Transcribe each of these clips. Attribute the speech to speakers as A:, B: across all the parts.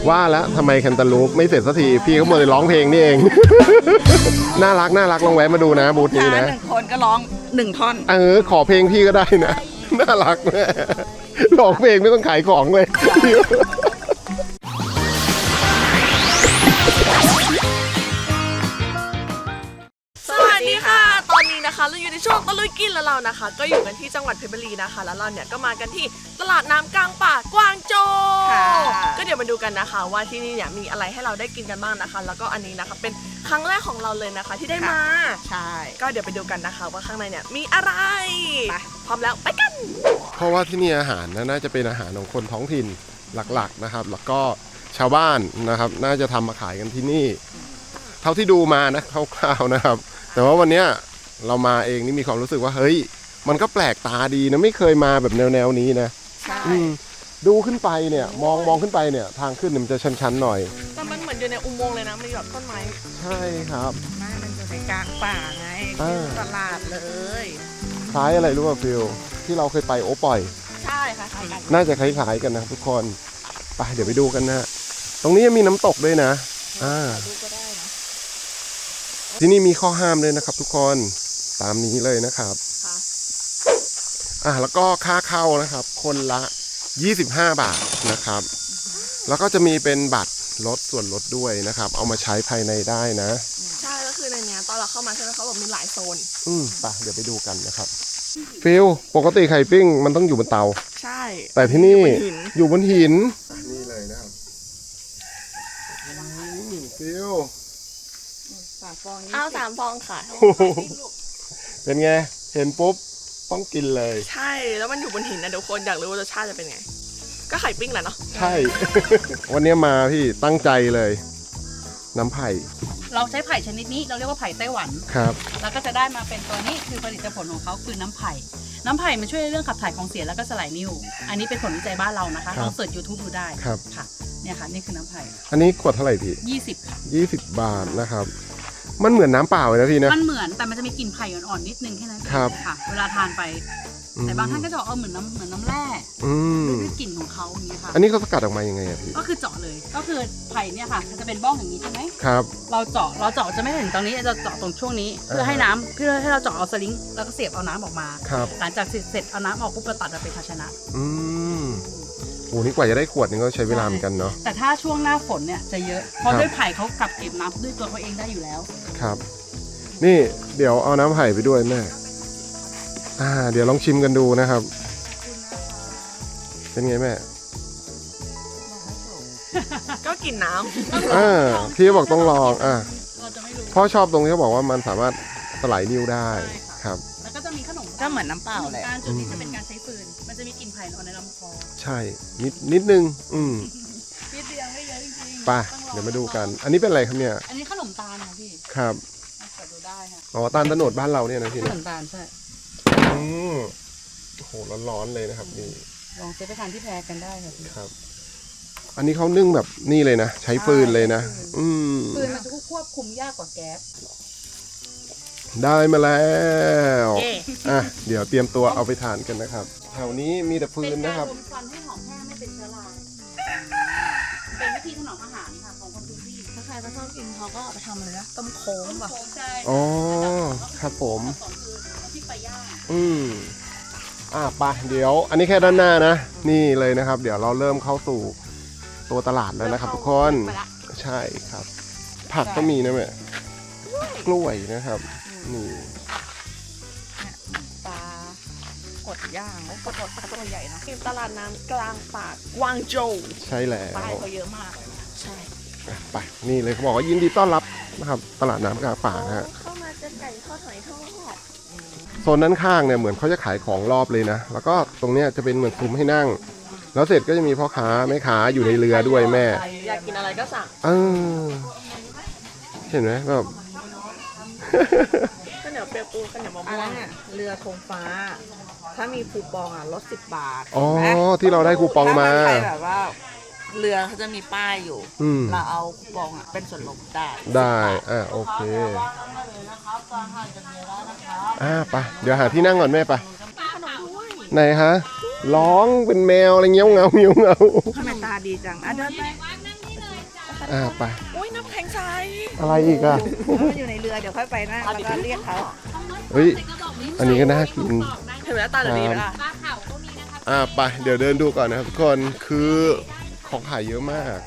A: ว่าแล้วทำไมแคนตาลูปไม่เสร็จสักทีพี่เขาหมดเลยร้องเพลงนี่เอง น่ารักลองแวะมาดูนะบูธนี้นะ
B: 1 คนก็ร้อง1 ท่อน
A: ขอเพลงพี่ก็ได้นะ น่ารักแม่ร้องเพลงไม่ต้องขายของเลย
C: สวัสดีค่ะตอนนี้นะคะเราอยู่ในช่วงตะลุยกินแล้วเรานะคะก็อยู่กันที่จังหวัดเพชรบุรีนะคะแล้วเราเนี่ยก็มากันที่ตลาดน้ำกลางป่ากวางโจวก็เดี๋ยวมาดูกันนะคะว่าที่นี่เนี่ยมีอะไรให้เราได้กินกันบ้างนะคะแล้วก็อันนี้นะคะเป็นครั้งแรกของเราเลยนะคะที่ได้มา
B: ใช่
C: ก็เดี๋ยวไปดูกันนะคะว่าข้างในเนี่ยมีอะไรพร้อมแล้วไปกัน
A: เพราะว่าที่นี่อาหารน่าจะเป็นอาหารของคนท้องถิ่นหลักๆนะครับแล้วก็ชาวบ้านนะครับน่าจะทำมาขายกันที่นี่เท่าที่ดูมานะคร่าวๆนะครับแต่ว่าวันนี้เรามาเองนี่มีความรู้สึกว่าเฮ้ยมันก็แปลกตาดีนะไม่เคยมาแบบแนวนี้นะ
C: ใช่
A: ดูขึ้นไปเนี่ยมองขึ้นไปเนี่ยทางขึ้นมันจะชันๆหน่อย
C: แต่มันเหมือนอยู่ในอุโมงค์เลยนะมีแบบต้นไม้
A: ใช่ครับ
B: มันอยู่ในกลางป่าไงตลาดเลย
A: คล้ายอะไรรู้ป่ะฟิลที่เราเคยไปโอปอย
C: ใช่ค่ะคล้ายกัน
A: น่าจะคล้ายๆกันนะทุกคนไปเดี๋ยวไปดูกันนะตรงนี้ยังมีน้ำตกด้วยนะ
C: ดูก็ได้นะ
A: ที่นี่มีข้อห้ามเลยนะครับทุกคนตามนี้เลยนะครับแล้วก็ค่าเข้านะครับคนละ25 บาทนะครับแล้วก็จะมีเป็นบัตรลดส่วนลดด้วยนะครับเอามาใช้ภายในได้นะ
C: ใช่ก็คือในนี้ตอนเราเข้ามาใช่ไหมเขาบอกมีหลายโซน
A: ไปเดี๋ยวไปดูกันนะครับฟิลปกติไข่ปิ้งมันต้องอยู่บนเตา
C: ใช่
A: แต่ที่นี่อยู่บนหินนี่เลยนะครับฟิล
C: 3 ฟองเอา3 ฟองค่ะ
A: เป็นไงเห็นปุ๊บต้องกินเลย
C: ใช่แล้วมันอยู่บนหินนะเดี๋ยวคนอยากรู้ว่ารสชาติจะเป็นไงก็ไข่ปิ้งแหละเนาะ
A: ใช่ วันนี้มาพี่ตั้งใจเลยน้ำไผ่
D: เราใช้ไผ่ชนิดนี้เราเรียกว่าไผ่ไต้หวัน
A: ครับ
D: แล้วก็จะได้มาเป็นตัวนี้คือผลิตผลของเขาคือน้ำไผ่มันช่วยเรื่องขับถ่ายของเสียแล้วก็สลายนิ่วอันนี้เป็นผลวิจัยบ้านเรานะคะลองเสิร์ช YouTube ดูได้
A: ครับ
D: ค่ะเนี่ยค่ะนี่คือน้ำไผ่
A: อันนี้ขวดเท่าไหร่พี่
D: 20ค่ะ
A: 20 บาทนะครับมันเหมือนน้ำเปล่าเลยนะพี่นะ
D: มันเหมือนแต่มันจะมีกลิ่นไผ่อ่อนๆนิดนึงแค่นั้นเองค่ะเวลาทานไปแต่บางท่านก็จะเหมือนน้ำแร่ด้วยกลิ่นของเขาอย่างนี้ค่ะ
A: อันนี้เขาสกัดออกมายังไงพี่
D: ก็คือเจาะเลยก็คือไผ่เนี่ยค่ะจะเป็นบ้องอย่างนี้ใช่ไหม
A: ครับ
D: เราเจาะจะไม่ถึงตรงนี้จะเจาะตรงช่วงนี้เพื่อให้เราเจาะเอาสลิงแล้วก็เสียบเอาน้ำออกมาหลังจากเสร็จเอาน้ำออกปุ๊บเราตัดมาเป็นภาชนะ
A: โอ้นี่กว่าจะได้ขวดนึงก็ใช้เวลาเหมือนกันเนาะ
D: แต่ถ้าช่วงหน้าฝนเนี่ยจะเยอะเพราะด้วยไผ่เขากักเก็บน้ำด้วยตัวเขาเองได้อยู่แล้ว
A: ครับนี่เดี๋ยวเอาน้ำไผ่ไปด้วยแม่เดี๋ยวลองชิมกันดูนะครับเป็นไงแม่
C: ก็กินน้ำ
A: พี่บอกต้องลองพ่อชอบตรงที่เขาบอกว่ามันสามารถสลายนิ่วได้ครับ
D: แล้วก็จะมีขนม
B: ก็เหมือนน้ำเปล่าเลย
D: จุดนี้จะเป็นการใช้ฟืนมันจะมีกลิ่นไผ่อ่อนในลำคอ
A: ใช่นิดนึง
D: นิดเดียวไม่เยอะจริง
A: ๆไปเดี๋ยวมาดูกันอันนี้เป็นอะไรครับเนี่ย
D: อันนี้ขนมตาลค่ะพี่
A: ครับ
D: ดูได้ค่ะ
A: ตาลตะโนดบ้านเราเนี่ยนะพี่
D: ขนมตาลใช่
A: โอ้โหร้อนๆเลยนะครับนี่
D: ลองซื้อไปทานที่แพรกันได้ค่ะพี่
A: ครับอันนี้เขานึ่งแบบนี่เลยนะใช้ฟืนเลยนะ
D: ฟืนมันจะควบคุมยากกว่าแก๊ส
A: ได้มาแล้วเดี๋ยวเตรียมตัวเอาไปทานกันนะครับแถวนี้มีแต่ฟืนนะครับ
D: เป็นการรมควันให้หอมแห้งไม่เป็นเชื้อราเป็นวิธีถนอมอาหารค่ะของคนพื้นที่
C: ถ้าใครไม่ชอบกินเขาก็เอาไปทำอะไรนะต้มโค้งป่ะ
A: อ๋อครับผม
D: ที่ไปย่าง
A: ไปเดี๋ยวอันนี้แค่ด้านหน้านะนี่เลยนะครับเดี๋ยวเราเริ่มเข้าสู่ตัวตลาดแล้วนะครับทุกคนใช่ครับผักก็มีนะแม่กล้วยนะครับนี่
B: ปลากดย่างแล้วกดปลาตัวใหญ่นะ
C: ตลาดน้ำกลางป่ากวางโจว
A: ใช่แล้ว
B: ป้ายเขาเยอะมาก
C: ใช่
A: ไปนี่เลยเขาบอกว่ายินดีต้อนรับนะครับตลาดน้ำกลางป่านะฮะ
C: เข้ามาจะไก่ทอดหอยทอด
A: โซนด้านข้างเนี่ยเหมือนเขาจะขายของรอบเลยนะแล้วก็ตรงเนี้ยจะเป็นเหมือนซุ้มให้นั่งแล้วเสร็จก็จะมีพ่อค้าแม่ค้าอยู่ในเรือด้วยแม่
C: อยากกินอะไรก็สั่ง
A: เห็นไหมแบบ
C: ข้าวเหนียวเปียกปูข้าวเหนียวมะม่วง
B: เรือธงฟ้าถ้ามีคูปองลด10 บาท
A: ที่เราได้คูปองมา
B: แบบว่าเรือเขาจะมีป้ายอยู่เราเอาคูปองเป็นส่วนลด
A: ได้โอเคไปเดี๋ยวหาที่นั่งก่อนแม่ไปไหนฮะร้องเป็นแมวอะไรเงี้ยเงา
B: ทำไมตาดีจังเดินไป
A: ไป
C: อุ้ยน้ำแข็งใส
A: อะไรอีกอ่ะ
B: แล้วมันอยู่ในเรือเดี๋ยวค่อยไปนะแล้วก็เรียกเขา
A: เฮ้ยอันนี้ก็น่ากิน
C: เห็นไหมตาเดี๋ยวนี้ไหมล่ะ
A: ไปเดี๋ยวเดินดูก่อนนะครับทุกคนคือของขายเยอะมาก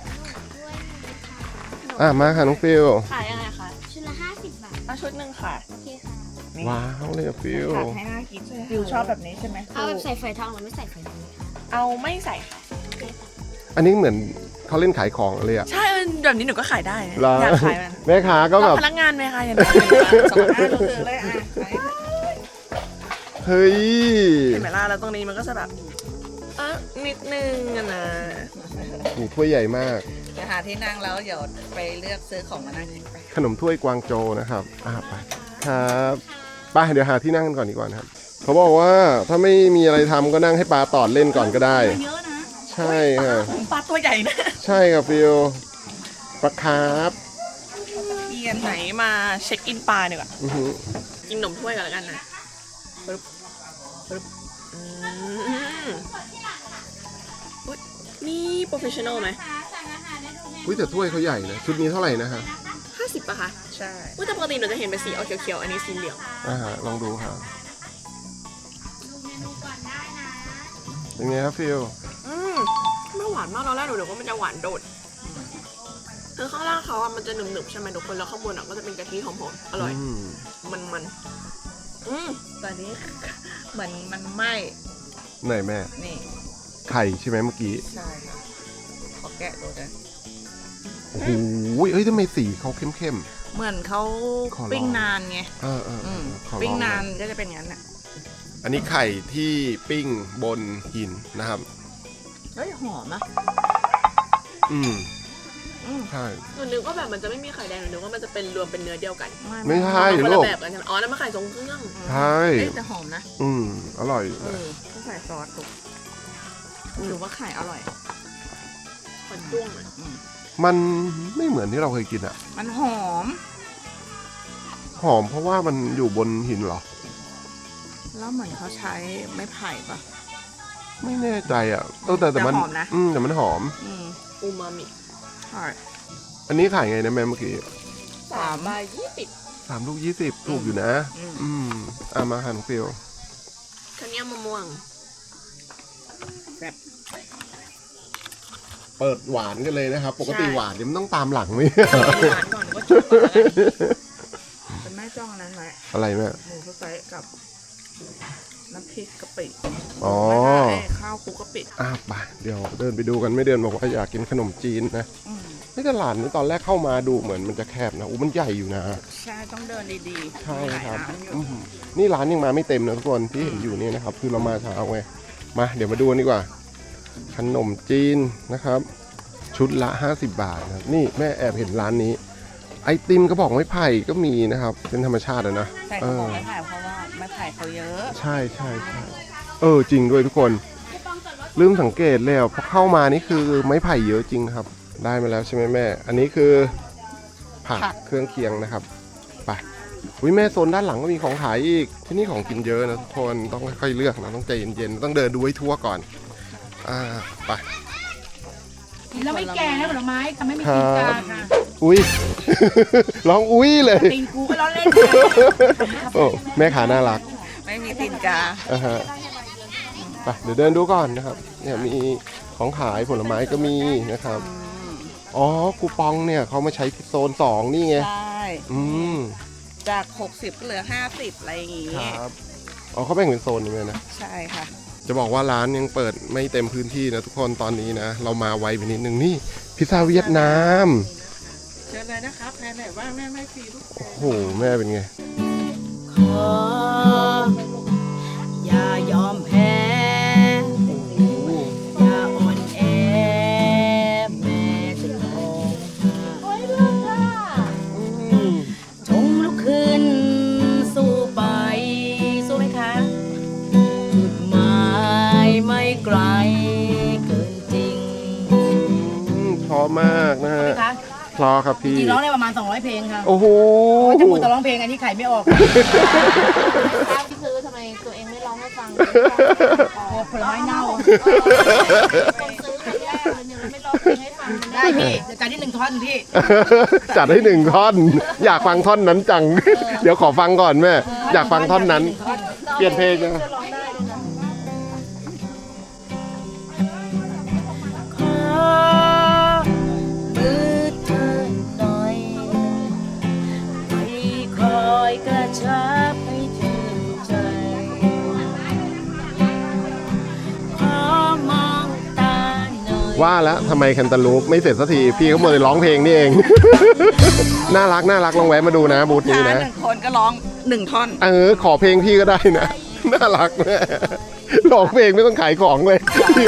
A: มาค่ะน้องฟิล
C: ขายยังไงคะ
E: ชุดละ50 บาท
C: เอาชุดหนึ่งค่ะ
E: โอเคค่ะ
A: ว้าวเลยอะฟิล
B: ผัดให้น่ากินฟิวชอบแบบนี้ใช่ไหม
E: เอาแบบใส่ฝอยทองหรือไม่ใส่ฝอยทอง
C: เอาไม่ใส่ค่ะ
A: อันนี้เหมือนเขาเล่นขายของเลยอะ
C: ใช่แบบนี้หนูก็ขายได้นะ
A: เหรอ
C: อยากขายมัน
A: แม่ค้าก็แบบ
C: พนักงานไหมคะอย่างนี้สอง
B: อ่ะดูเลยเลยอ่ะ
A: เฮ้ย
C: เห็นไหมล่ะแล้วตรงนี้มันก็จะแบบนิดนึงอะนะ
A: นี่ถ้วยใหญ่มาก
B: เดี๋ยวหาที่นั่งแล้วเดี๋ยวไปเลือกซื้อของมานั่งกินไป
A: ขนมถ้วยกวางโจวนะครับไปครับไปเดี๋ยวหาที่นั่งกันก่อนดีกว่านะครับเขาบอกว่าถ้าไม่มีอะไรทำก็นั่งให้ปลาตอดเล่นก่อนก็ได้
D: เยอะนะ
A: ใช่ค่ะ
C: ปลาตัวใหญ่นะ
A: ใช่ครับฟิลปลาคาร์ฟ
C: เอียนไหนมาเช็คอินปลาดีกว่า
A: อื้อหือ
C: กินขนมถ้วยกันแล้วกันนะปึ๊บปึ๊บอุ๊ยนี่โปรเฟชชั่นอลไหม
A: อุ้ยแต่ถ้วยเขาใหญ่นะชุดนี้เท่าไหร่นะฮะ
C: 50ป่ะคะ
B: ใช่
C: อุ๊ยแต่ปกติหนูจะเห็นเป็นสีออกเขียวๆอันนี้สีเหลือง
A: ลองดูค่ะเป็นไงครับฟิล
C: ไม่หวานมากตอนแรกหนูนึกว่ามันจะหวานโดดคือข้างล่างเขาอะมันจะหนึบๆใช่ไหมทุกคนแล้วข้างบนอะก็จะเป็นกะทิหอมๆอร่อย มัน
B: ตอนนี้เหมือนมันไหม้
A: ไหนแม่
B: นี่
A: ไข่ใช่ไหมเมื่อกี้
B: ใช่ค่ะขอแกะดูนะ
A: โอ้โหเอ้ยทำไมสีเขาเข้ม
B: เหมือนเขา
A: ขอลอง
B: ปิ้งนานไง
A: ขอลอง
B: ปิ้งนานก็จะเป็นอย่างนั้นอ่ะ
A: อันนี้ไข่ที่ปิ้งบนหินนะครับ
B: เฮ้ยหอมอ่ะ
A: อืม
B: อืม
A: ใช่
C: หนูนึกว่าแบบมันจะไม่มีไข่แดงหนูนึกว่ามันจะเป็นรวมเป็นเนื้อเดียวกัน
A: ไม่ใช่
C: คน
A: ลู
C: ละ
A: ก
C: แบบกันใช่ไหมอ๋อนั่นมันไข่ทรงเครื่อง
A: ใช่
B: เอ้ยแต่หอมนะ
A: อร่อย
B: ต้องใส่ซอสถูกหรือว่าไข่อร่อย
C: มันจ้วงเลย
A: มันไม่เหมือนที่เราเคยกินอะ
B: มันหอม
A: หอมเพราะว่ามันอยู่บนหินเหรอ
B: แล้วเหมือนเขาใช้ไม้ไผ่ปะ
A: ไม่แน่ใจอะแต่มัน
B: แต่หอมนะ
A: แต่มันหอม
C: อูมามิ
B: ใช่
A: อันนี้ขายไงนะแม่เมื่อกี้
C: 3 บาท 20
A: 3 ลูก 20 ถูกอยู่นะ มาหันฟิล
C: คันนี้มะม่วง
A: เปิดหวานกันเลยนะครับ ปกติหวานเนี่ยมันต้องตามหลังไหม
B: หวานก่อนก็ชุบก่อนแล้วกันเป็นแม่จ้องอันนั้นไหม
A: อะไรแม่
B: หมูสไตล์กับน้ำพริกกะปิ
A: อ๋อ
B: ไม่ใช่ข้าวคลุกกะปิ
A: ไปเดี๋ยวเดินไปดูกันไม่เดินบอกว่าอยากกินขนมจีนนะนี่ตลาดนี้ตอนแรกเข้ามาดูเหมือนมันจะแคบนะมันใหญ่อยู่นะ
B: ใช่ต้องเดินดีๆ
A: ใช่
B: มีหลาย
A: ครับ
B: ร้านอยู่
A: นี่ร้านยังมาไม่เต็มนะทุกคนที่เห็นอยู่เนี่ยนะครับ คือเรามาเช้าไงมาเดี๋ยวมาดูกันดีกว่า ขนมจีนนะครับ ชุดละ 50 บาทนะครับนี่แม่แอบเห็นร้านนี้ ไอติมกระบอกไม้ไผ่ก็มีนะครับ เป็นธรรมชาติอะนะ
B: ใช่เขาบอกไม้ไผ่เพราะว่าไม้ไผ่เขาเยอะ
A: ใช่จริงด้วยทุกคนลืมสังเกตแล้วพอเข้ามานี่คือไม้ไผ่เยอะจริงครับ ได้มาแล้วใช่ไหมแม่ อันนี้คือผักเครื่องเคียงนะครับไปอุ้ยแม่โซนด้านหลังก็มีของขายอีกที่นี่ของกินเยอะนะทุกคนต้องค่อยๆเลือกนะต้องใจเย็นๆต้องเดินดูให้ทั่วก่อนไป
D: แล้วไม่แกงนะผลไม้ทำให้ไม่กินกาค่ะ
A: อุ้ย ร้องอุ้ยเลย
D: ตีนกูก็ร้อนเล่น
A: โอ้แม่ขาน่ารัก
B: ไม่มีตีนกา
A: ไปเดี๋ยวเดินดูก่อนนะครับเนี่ยมีของขายผลไม้ก็มีนะครับคูปองเนี่ยเขามาใช้ที่โซน2นี่ไง
B: ใช่ จาก 60 ก็เหลือ 50 อะไรอย่างงี้
A: ครับเขาแบ่งเป็นโซนอย่างเงี้ยนะ
B: ใช่ค่ะ
A: จะบอกว่าร้านยังเปิดไม่เต็มพื้นที่นะทุกคนตอนนี้นะ เรามาไวไปนิดนึงนี่พิซซ่าเวียดนาม
B: เชิญเลยนะครับแพนไหนว่าแม่ไม่ฟรีทุกคน
A: โอ้โหแม่เป็นไง
D: ขออย่ายอมแพ้อย่าอ่อนแอแม้จะร้องจงลุกขึ้นสู้ไปสู้ไหมคะจุดหมายไม่ไกลเกินจริง
A: พอมากนะฮะ
D: คะ
A: พอครับพี่
D: จริงร้องได้ประมาณ200เพลงค่ะ
A: โอ้โห
D: จะพูดแต่ร้องเพลงอันนี้ขายไม่ออก
E: ข้าวที่ซื้อทำไมตัวเองไม่ร้องให้ฟัง
D: ผลไม้เน่า
E: คนซื้อครั้งแรกเลยเนี่ยเราไม่ร้องเพลงให้ฟังมัน
D: ได้พี่เดี๋ยวจัดที่1 ท่อนพี่
A: จัดให้1 ท่อน อยากฟังท่อนนั้นจัง เดี๋ยวขอฟังก่อนแม่ อยากฟังท่อนนั้น เปลี่ยนเพลงนะ
D: ขอมือเธอหน่อยไม่คอยกระชับให้ชื่นใจขอมองตาหน่อย
A: ว่าแล้วทำไมแคนตาลูปไม่เสร็จสักที พี่เขาหมดเลยร้องเพลงนี่เอง น่ารักลองแวะมาดูนะบูธนี้นะ
B: 1 คนก็ร้อง1 ท่อน
A: ขอเพลงพี่ก็ได้นะ น่ารักแม่ร้องเพลงไม่ต้องขายของเลย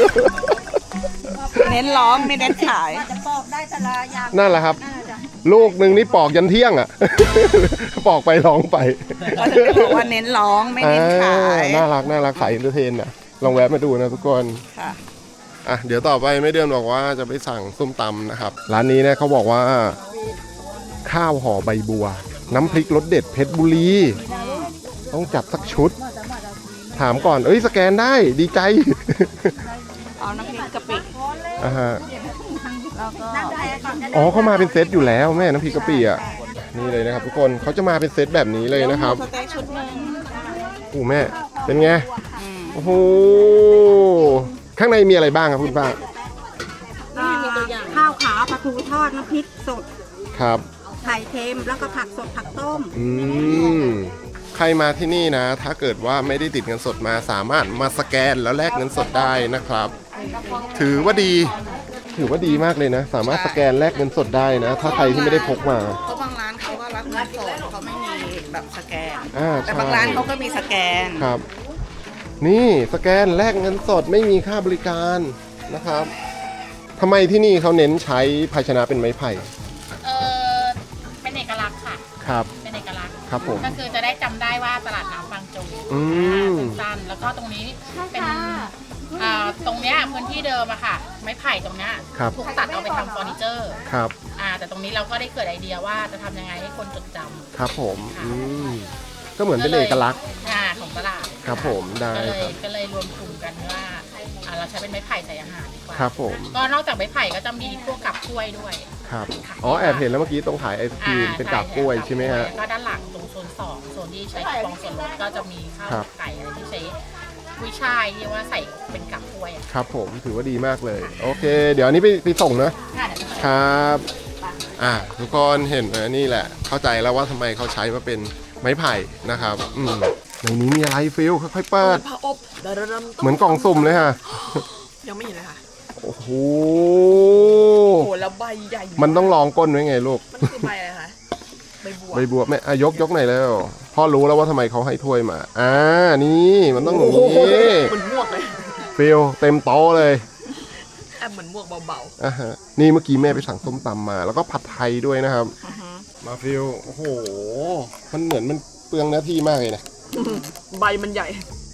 B: เน้นร้องไม่เน้นขาย
A: นั่นแหละครับ ลูกหนึ่งนี่ปอกยันเที่ยงอ่ะ ปอกไปร้องไป
B: ก็จะบอกว่าเน้นร้องไม่เน้นขาย
A: น่ารักขายอินเตอร์เทนนะลองแวะมาดูนะทุกคน
B: ค่ะ
A: อ่ะเดี๋ยวต่อไปไม่เดือนบอกว่าจะไปสั่งส้มตำนะครับ ร้านนี้เนี่ยเขาบอกว่า ข้าวห่อใบบัว น้ำพริกรสเด็ดเพชรบุรี ต้องจัดสักชุด ถามก่อนสแกนได้ดีใจ
B: เอาน้ำพริกกะปิ
A: อ่าฮะ
B: แล้วก็
A: อ๋อเขามาเป็นเซตอยู่แล้วแม่น้ำพริกกะปิอ่ะนี่เลยนะครับทุกคนเขาจะมาเป็นเซตแบบนี้เลยนะครับ
B: สเต็กชุดหนึ่ง
A: โอ้แม่เป็นไงโอ้โหข้างในมีอะไรบ้างครับคุณป้า
F: ข้าวขาวปลาทูทอดน้ำพริกสด
A: ครับ
F: ไข่เค็มแล้วก็ผักสดผักต้ม
A: ใครมาที่นี่นะ ถ้าเกิดว่าไม่ได้ติดเงินสดมาสามารถมาสแกนแล้วแลกเงินสดได้นะครับ ถือว่าดีมากเลยนะ สามารถสแกนแลกเงินสดได้นะ ถ้าใครที่ไม่ได้พกมา
B: เพราะบางร้านเขาก็รับเงินสดเขาไม่มีแบบสแกน แต่
A: ใช่
B: บางร้านเขาก็มีสแกน
A: ครับ นี่สแกนแลกเงินสดไม่มีค่าบริการนะครับทำไมที่นี่เขาเน้นใช้ภาชนะเป็นไม้ไผ่
E: เป็นเอกลักษณ์ค่ะ
A: ครับ
E: เป็นเอกลักษณ์
A: ครับผม
E: ก็คือจะได้จำได้ว่าตลาดน้ำบางโจ สั้นๆแล้วก็ตรงนี้เป็นตรงเนี้ยพื้นที่เดิมอะค่ะ ไม้ไผ่ตรงเนี้ย
A: ครับ
E: ถูกตัดเอาไปทำเฟอร์นิเจอร์
A: ครับ
E: แต่ตรงนี้เราก็ได้เกิดไอเดียว่าจะทำยังไงให้คนจดจำ
A: ครับผมก็เหมือนเป็นเอกลักษณ์
E: ของตลาด
A: ครับผมได้
E: ก็เลยรวมกลุ่มกันว่าเราใช้เป็นไม้ไผ่ใส่อาหารดีกว่า
A: ครับผม
E: ก็นอกจากไม้ไผ่ก็จะมีพวกกับกล้วยด้วย
A: ครับอ๋อแอบเห็นแล้วเมื่อกี้ตรงขายไอศครีมเป็นกาบกล้วยใช่ไหมฮะ
E: ก็ด้านหลังตรงโซน2โซนที่ใช้กล่องส่วนลดก็จะมีข้าว
A: ครับ
E: ไก่อะไรที่ใช้กุ้ยช่ายที่ว่าใส่เป็นกับกล้วยอะ
A: ครับผมถือว่าดีมากเลย โอเค เดี๋ยวอันนี้ไปส่งนะ
E: ค่ะเดี๋ยวจะ
A: ครับทุกคนเห็นไหมนี่แหละ เข้าใจแล้วว่าทำไมเขาใช้มาเป็นไม้ไผ่นะครับในนี้มีอะไรฟิลค่อยๆเปิด
C: ผ้าอบดารำ
A: เหมือนกล่องสุ่มเลยฮะ
C: ยังไม่เห็นเลยค่ะ
A: โอ้โห
C: โอ้โหแล้วใบใหญ่
A: มันต้องลองก้นไว้ไงลูก
C: มันคือใบอะไรคะใบบัว
A: ใบบัวแม่ยกหน่อยแล้วพ่อรู้แล้วว่าทำไมเขาให้ถ้วยมานี่มันต้องอย่างนี้
C: เหมือนหมวกเลย
A: ฟิลเต็มโต๊ะเลย
C: แอบเหมือนหมวกเบา
A: ฮะนี่เมื่อกี้แม่ไปสั่งส้มตำมา แล้วก็ผัดไทยด้วยนะครับ มาฟิลโอ้โหมันเหมือนมันเปลืองหน้าที่มากเลยนะ
C: ๆใบมันใหญ่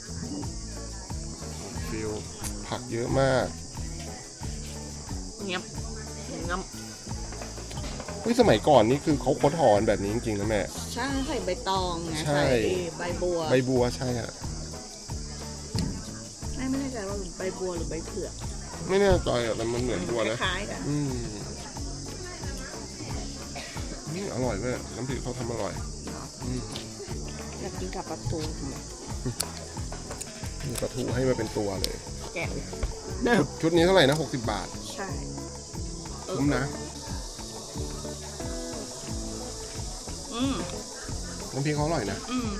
A: ฟิลผักเยอะมาก
C: เงียบงับ
A: สมัยก่อนนี่คือเขาค้นหอนแบบนี้จริงๆนะแม่
B: ใช่ใส่ใบตองไง
A: ใช่
B: ใส่ใบบัว
A: ใบบัวใช่ฮะ
B: ไม่แน่ใจว่าใบบัวหรือใบเผือก
A: ไม่แน่ใจอะแต่มันเหมือนบัวนะ
B: คล้ายๆกัน
A: อร่อยแม่น้ำพริกเขาทำอร่อย
B: อยากกินกับปลาทู
A: มีปลาทูให้มาเป็นตัวเลย
B: แกะ
A: ชุดนี้เท่าไหร่นะ60 บาท
B: ใช่
A: คุ้มนะ น้ำพริกเขาอร่อยนะ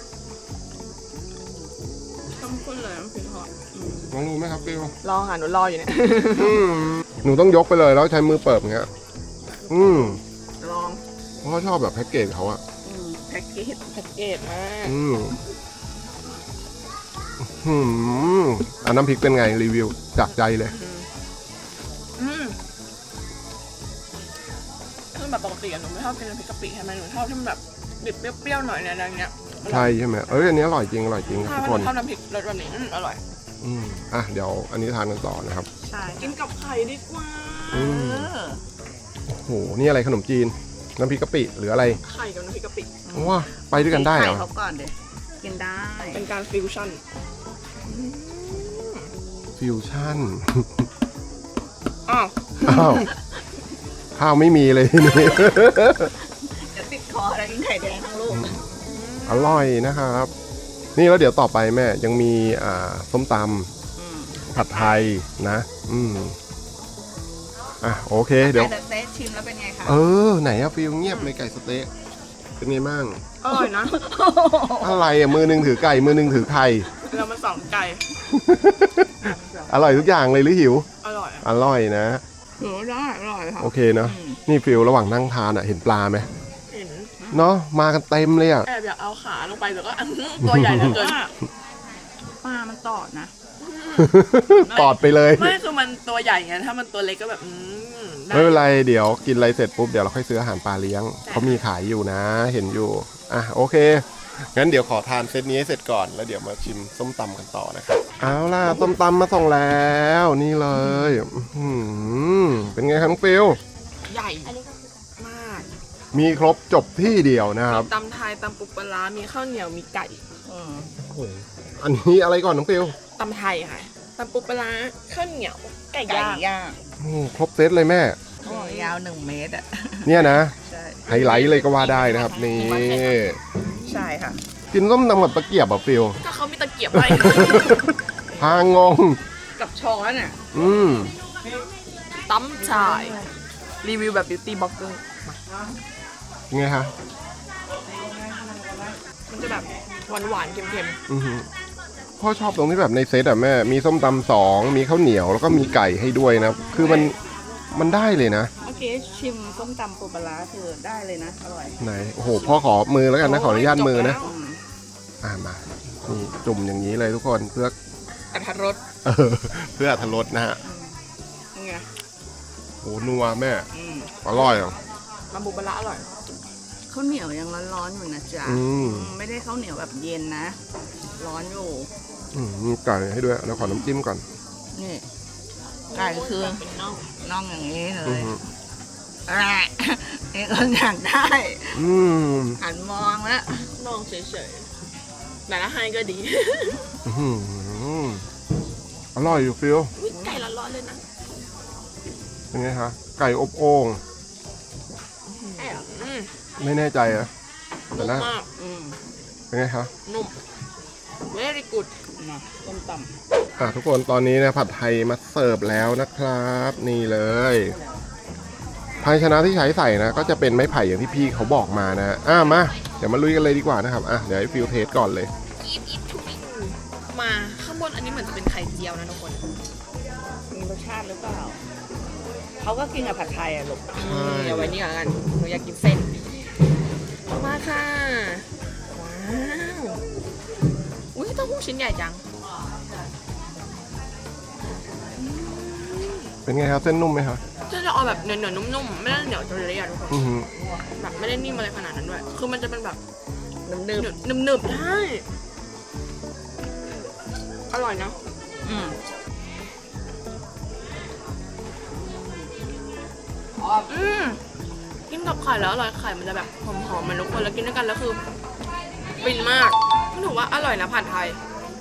C: ต้มข้นเลยน้ำพริกเขา
A: ลองดูไหมครับฟิล
C: รอค่ะหนูรออยู่เนี่ย
A: หนูต้องยกไปเลยแล้วใช้มือเปิดอย่างเงี้ย
C: ลอง
A: เพราะเขาชอบแบบแพ็กเกจเขาอะ
B: แพ็กเกจ
C: แพ็กเกจมาก
A: น้ำพริกเป็นไงรีวิวจากใจเลย
C: คือแบบปกติอะหนูไม่ชอบกินน้ำพริกกะปิใช่ไหมหนูชอบที่มันแบบดิบเปรี้ยวๆหน่อยเนี่ยอะไรเงี้ย
A: ใช่ใช่ไหมอันนี้อร่อยจริงครับ
C: ถ้า
A: ทุกคน
C: ชอบน้ำพริกรสแบบนี้อร่อย
A: เดี๋ยวอันนี้ทานกันต่อนะครับ
C: ใช่กินกับไข่ดีกว่า
A: โอ้โหนี่อะไรขนมจีนน้ำพริกกะปิหรืออะไร
C: ไข่กับน้ำพริกกะปิ
A: ว้าไปด้วยกันได้เหรอ
B: ใส่เขาก่อนเดี๋ยวกินได้
C: เป็นการฟิวชั่น
A: ฟิวชั่น
C: อ้าว
A: อ้าวข้าวไม่มีเลยทีนี้
B: จะติดคอแล้วกินไข่แดงทั้งลูก
A: อร่อยนะครับ นี่แล้วเดี๋ยวต่อไปแม่ยังมีส้มตำผัดไทยนะโอเคเดี๋ยว
B: ไก่สเต๊ะชิมแล้วเป็นไงคะ
A: ไหนอะฟิลเงียบเลยไก่สเต๊ะเป็นไงบ้าง
C: อร่อยนะ
A: อะไรอะมือหนึงถือไก่มือหนึงถือไข่
C: เรามาสองไก่
A: อร่อยทุกอย่างเลยหรือหิว
C: อร่อย
A: อร่อยนะ
B: ถือว่าได้อร่อยค่ะ
A: โอเคเนาะนี่ฟิลระหว่างนั่งทานอะเห็นปลาไหม
C: เห็น
A: เนาะมากันเต็มเลยอะ
C: แอบอยากเอาขาลงไปแต่ก็ ตัวใหญ่เหลือเกิน
B: ปลามันตอดนะ
A: ตอดไปเลย
C: ไม่คือมันตัวใหญ่ไงถ้ามันตัวเล็กก็แบบได้
A: ไม่เป็นไรเดี๋ยวกินอะไรเสร็จปุ๊บเดี๋ยวเราค่อยซื้ออาหารปลาเลี้ยงเขามีขายอยู่นะ เห็นอยู่โอเคงั้นเดี๋ยวขอทานเซตนี้ให้เสร็จก่อนแล้วเดี๋ยวมาชิมส้มตำกันต่อนะครับเอาล่ะส้มตำมาส่งแล้วนี่เลยเป็นไงครับน้องฟิล
C: ใหญ่มาก
A: มีครบจบที่เดียวนะครับ
C: ตำไทยตำปูปลาร้ามีข้าวเหนียวมีไก่
A: อันนี้อะไรก่อนน้องฟิล
C: ตำไทยค่ะตำปูปลาร้าข้าวเหนียวไก่
B: ไก่
C: ย่าง
B: ย่าง
A: ครบเซตเลยแม่
B: ยาว1 เมตรอ่ะ
A: เนี่ยนะ
B: ใช่
A: ไฮไลท์เลยก็ว่าได้นะครับนี่
B: ใช่ค่ะ
A: กินส้มตำกับตะเกียบอ่ะฟิล
C: ก็เขามีตะเกียบไว้
A: พางง
B: กับช้อนอ่ะ
C: ตำชายรีวิวแบบบิวตี้บล็อกเกอร์
A: ไงฮะ
C: มันจะแบบหวานๆเค็ม
A: พ่อชอบตรงที่แบบในเซตอ่ะแม่มีส้มตำ2มีข้าวเหนียวแล้วก็มีไก่ให้ด้วยนะคือมันได้เลยนะ
B: เมื่อกี้ชิมส้มตำปูปลาร้าคือได้เลยนะ อร่อย
A: ไหนโอ้โหพ่อขอมือแล้วกันนะขออนุญาตมือนะ
B: อืม
A: มานี่จุ่มอย่างนี้เลยทุกคนเพื่อ
C: ๆอัตรส
A: เพื่ออรรถรสนะฮะ
B: นี่ไง
A: โอ้นัวแม่
B: อืม
A: อร่อยอ่ะ
C: ตำปูปลาร้าอร่อย
B: ข้าวเหนียวยังร้อนๆอยู่นะจ๊ะ ไม่ได้ข้าวเหนียวแบบเย็นนะ ร้อนอยู่
A: มีไก่ให้ด้วยแล้วขอน้ำจิ้มก่อน
B: นี่ไก่คือน่องอย่างนี้เล
A: อื
B: ย
A: ม
B: นี่ก็อยากได้
A: อืม
B: หันมองแล้ว
C: น้องเฉยๆแต่ละให้ก็ดี
A: อืมอร่อยอยู่ฟิล
C: อุ๊ยไก่ร้อนๆเลยนะ
A: เป็นไงคะไก่อบโอ่ง
C: อืม
A: ไม่แน่ใจอะแต่
C: นุ่ม
A: นะ
C: มาก
A: เป็นไงคะ
C: นุ่ม very good
B: นะต้มต
A: ทุกคนตอนนี้นะผัดไทยมาเสิร์ฟแล้วนะครับ นี่เลยภาชนะที่ใช้ใส่นะ ก็จะเป็นไม้ไผ่อย่างที่พี่เขาบอกมานะมาเดี๋ยวมาลุยกันเลยดีกว่านะครับเดี๋ยวให้ฟิลเทสก่อนเลย
C: มาข้างบนอันนี้เหมือนจะเป็นไข่เจียวนะทุกคน
B: ำมีรสชาติหรือเปล่า เขาก็กินกับผัดไทยอ่ะลูก
C: เดี๋ยวไว้นี่ก่อนหนูอยากกินเส้น มาค่ะ ว้าวอุ้ยเต้าหู้ชิ้นใหญ่จัง
A: เป็นไงครับเส้นนุ่มไหมครับ
C: จะเอาแบบเหนียวๆนุ่มๆไม่ได้เหนียวจนเละอะทุกคน
A: อือหือ
C: แบบไม่ได้นิ่มอะไรขนาดนั้นด้วย คือมันจะเป็นแบบ
B: นึบ
C: หนึบๆใช่อร่อยนะ
B: ๆอืม
C: กินกับไข่แล้วอร่อยไข่มันจะแบบหอมๆมันทุกคนแล้วกินด้วยกันแล้วคือฟินมากก็ถือว่าอร่อยนะผัดไทย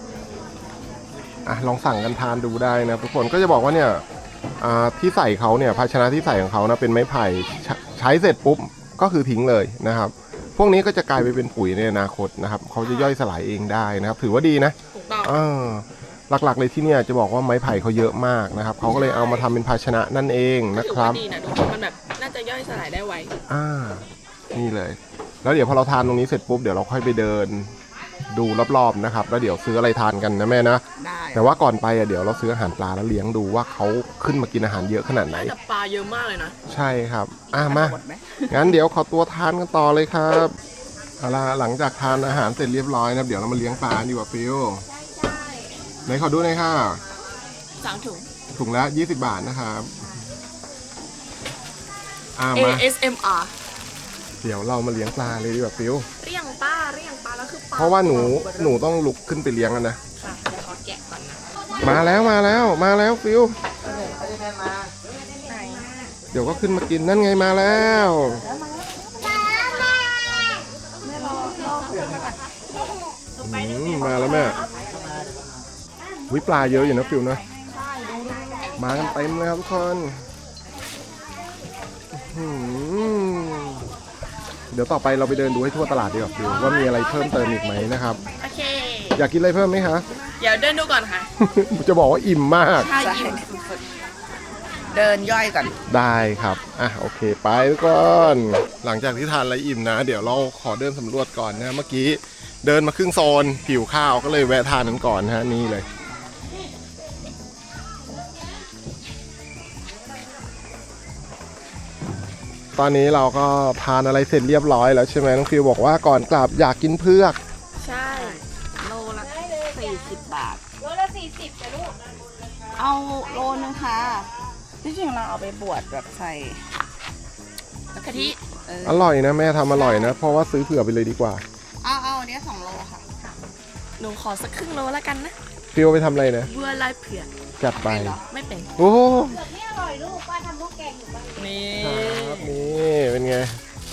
A: ลองสั่งกันทานดูได้นะทุกคนก็จะบอกว่าเนี่ยที่ใส่เขาเนี่ยภาชนะที่ใส่ของเขานะเป็นไม้ไผ่ใช้เสร็จปุ๊บก็คือทิ้งเลยนะครับ พวกนี้ก็จะกลายไปเป็นปุ๋ยในอนาคตนะครับเขาจะย่อยสลายเองได้นะครับ ถือว่าดีนะ
C: ถูกต้อง
A: หลักๆเลยที่เนี่ยจะบอกว่าไม้ไผ่เขาเยอะมากนะครับเขาก็เลยเอามาทำเป็นภาชนะนั่นเองนะ
C: ถือ
A: ครั
C: ว่า
A: บ
C: ดีนะทุกคนมันแบบน่าจะย่อยสลายได้ไว
A: นี่เลย แล้วเดี๋ยวพอเราทานตรงนี้เสร็จปุ๊บเดี๋ยวเราค่อยไปเดินดูรอบๆนะครับแล้วเดี๋ยวซื้ออะไรทานกันนะแม่นะ
B: ได้
A: แต่ว่าก่อนไปเดี๋ยวเราซื้ออาหารปลาแล้วเลี้ยงดูว่าเขาขึ้นมากินอาหารเยอะขนาดไหน
C: แต่ปลาเยอะมากเลยนะ
A: ใช่ครับมา
B: หมดไหม
A: งั้นเดี๋ยวขอตัวทานกันต่อเลยครับเอาล่ะหลังจากทานอาหารเสร็จเรียบร้อยนะครับเดี๋ยวเรามาเลี้ยงปลาดีกว่าฟิลไหนขอดูหน่อยค่ะ
C: 3 ถุง
A: ถุงละ20 บาทนะครับมา
C: ASMR
A: เดี๋ยวเรามาเลี้ยงปลาเลยดีกว่าฟิล
C: เรียงปลาแล้วคือปลา
A: เพราะว่าหนูต้องลุกขึ้นไปเลี้ยงกันนะ
C: ค่ะเดี๋ยวขอแกะก่อนนะ
A: มาแล้วฟิลเดี๋ยวก็ขึ้นมากินนั่นไงมาแล้วมาแล้วแม่วิปลาเยอะอยู่นะฟิลนะมากันเต็มเลยครับทุกคนอืมเดี๋ยวต่อไปเราไปเดินดูให้ทั่วตลาดดีกว่าฟิวว่ามีอะไรเพิ่มเติมอีกไหมนะครับ
C: โอเค
A: อยากกินอะไรเพิ่มไหมคะ
C: เดี๋ยวเดินดูก่อนค่ะ
A: จะบอกว่าอิ่มมาก
C: ใช่อิ่มสุด
B: เดินย่อยก่อน
A: ได้ครับ อ่ะโอเคไปทุกคน หลังจากที่ทานอะไรอิ่มนะ เดี๋ยวเราขอเดินสำรวจก่อนนะ เมื่อกี้เดินมาครึ่งโซนหิวข้าวก็เลยแวะทานนั้นก่อนนะฮะนี่เลย ตอนนี้เราก็ทานอะไรเสร็จเรียบร้อยแล้วใช่ไหมน้องฟิวบอกว่าก่อนกลับอยากกินเผือก
C: ๆ ใช่
B: โลละ40 บาท
F: โลละ40จ้ะลูก
B: เอาโลนึงค่ะที่จริงเราเอาไปบวชแบบใส่
C: กะทิ
A: อร่อยนะแม่ทำอร่อยนะ เพราะว่าซื้อเผื่อไปเลยดีกว่า
B: เอาเนี้ย2 โลค่ะ
C: หนูขอสักครึ่งโลแล้วกันนะ
A: ฟิวไปทำอะไรนะ
C: บัวลายเผือก
A: จัดไป
C: ไม่เป็น
A: โอ้
F: นี่อร่อยลูกป้าทำพวกแกงอยู่บ้าน
C: นี่
A: ครับนี่เป็นไง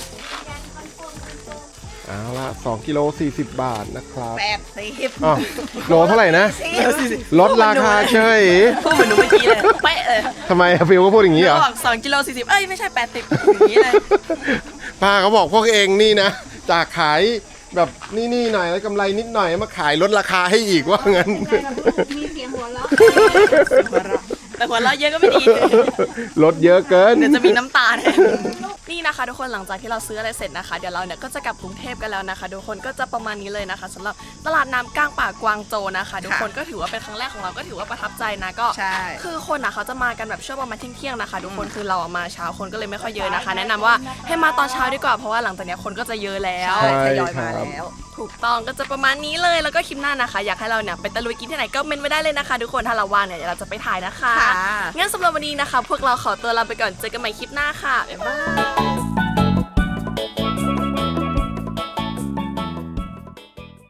A: เอาละ2กิโล40 บาทนะครับ
B: 80
A: อ๋อโลเท่าไหร่นะลดราคาเฉย
C: พูดเหมือนหนูเมื่อกี้เลยเป๊ะเลย
A: ทำไมอะฟิวก็พูดอย่างนี้เหรอ
C: บอก2กิโล40เอ้ยไม่ใช่80อย่างนี้เลย
A: ป้าเขาบอกพวกเองนี่นะ จากขายแบบนี่หน่อยแล้วกำไรนิดหน่อยมาขายลดราคาให้อีกว่างั้น
F: มีเสียงหัวเราะ
C: แต่หัวเราะเยอะก็ไม่ดี
A: ลดเยอะเกิน
C: เดี๋ยวจะมีน้ำตาแทนนี่นะคะทุกคนหลังจากที่เราซื้ออะไรเสร็จนะคะเดี๋ยวเราเนี่ยก็จะกลับกรุงเทพกันแล้วนะคะทุกคนก็จะประมาณนี้เลยนะคะสำหรับตลาดน้ำกลางป่ากวางโจวนะคะทุกคนก็ถือว่าเป็นครั้งแรกของเราก็ถือว่าประทับใจนะก็
B: ใช่
C: คือคนอ่ะเขาจะมากันแบบช่วงประมาณเที่ยงๆนะคะทุกคนคือเราอะมาเช้าคนก็เลยไม่ค่อยเยอะนะคะ แนะนำว่าให้มาตอนเช้าดีกว่าเพราะว่าหลังจากเนี้ยคนก็จะเยอะแล้ว
A: ใช่
B: ทยอยมาแล้ว
C: ถูกต้องก็จะประมาณนี้เลยแล้วก็คลิปหน้านะคะ อยากให้เราเนี่ยไปตะลุยกินที่ไหนก็เมนไว้ได้เลยนะคะทุกคนถ้าเราว่างเนี่ยเดี๋ยวเราจะไปถ่ายนะคะ
B: ค่ะ
C: งั้นสำหรับวันนี้นะคะ พวกเราขอตัวลาไปก่อนเจอกันใหม่คลิปหน้าค่ะบ๊ายบาย